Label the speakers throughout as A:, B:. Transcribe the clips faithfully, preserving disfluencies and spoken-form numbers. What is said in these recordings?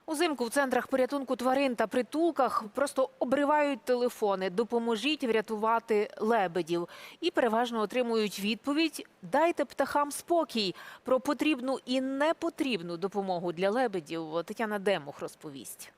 A: Узимку в центрах порятунку тварин та притулках просто обривають телефони «Допоможіть врятувати лебедів» і переважно отримують відповідь «Дайте птахам спокій». Про потрібну і непотрібну допомогу для лебедів Тетяна Демух розповість.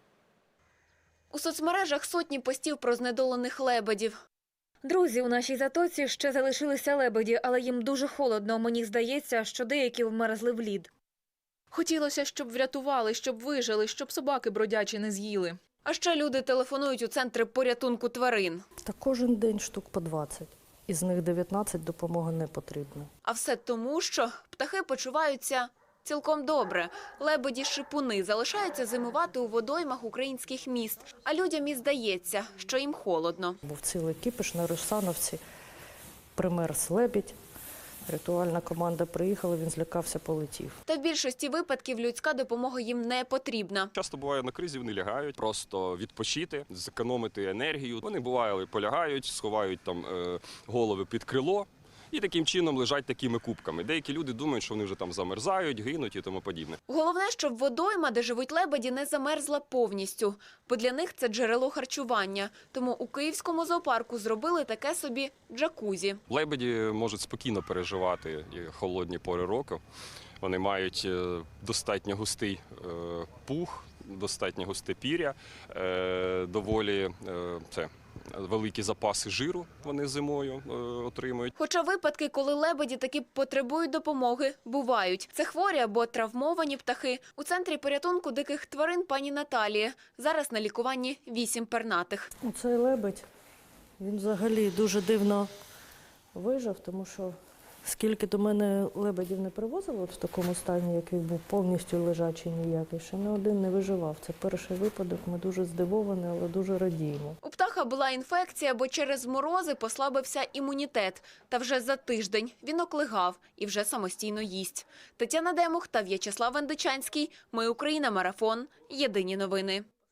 B: У соцмережах сотні постів про знедолених лебедів.
C: Друзі, у нашій затоці ще залишилися лебеді, але їм дуже холодно. Мені здається, що деякі вмерзли в лід.
D: Хотілося, щоб врятували, щоб вижили, щоб собаки бродячі не з'їли.
B: А ще люди телефонують у центри порятунку тварин.
E: Та кожен день штук по двадцять. Із них дев'ятнадцять допомоги не потрібно.
B: А все тому, що птахи почуваються цілком добре. Лебеді-шипуни залишаються зимувати у водоймах українських міст. А людям і здається, що їм холодно.
E: Був цілий кіпіш на Русановці, примерз лебідь. Рятувальна команда приїхала, він злякався, полетів.
B: Та в більшості випадків людська допомога їм не потрібна.
F: Часто буває на кризі, вони лягають, просто відпочити, зекономити енергію. Вони буває полягають, сховають там е, голови під крило і таким чином лежать такими кубками. Деякі люди думають, що вони вже там замерзають, гинуть і тому подібне.
B: Головне, щоб водойма, де живуть лебеді, не замерзла повністю, бо для них це джерело харчування. Тому у Київському зоопарку зробили таке собі джакузі.
F: Лебеді можуть спокійно переживати і холодні пори року. Вони мають достатньо густий пух, достатньо густе пір'я, доволі це, великі запаси жиру вони зимою отримують.
B: Хоча випадки, коли лебеді таки потребують допомоги, бувають. Це хворі або травмовані птахи. У центрі порятунку диких тварин пані Наталії. Зараз на лікуванні вісім пернатих.
E: Цей лебедь, він взагалі дуже дивно вижив, тому що скільки до мене лебедів не привозили в такому стані, який був повністю лежачий ніякий, ще не один не виживав. Це перший випадок, ми дуже здивовані, але дуже радіємо.
B: У птаха була інфекція, бо через морози послабився імунітет. Та вже за тиждень він оклигав і вже самостійно їсть. Тетяна Демух та В'ячеслав Вендичанський. Ми Україна. Марафон. Єдині новини.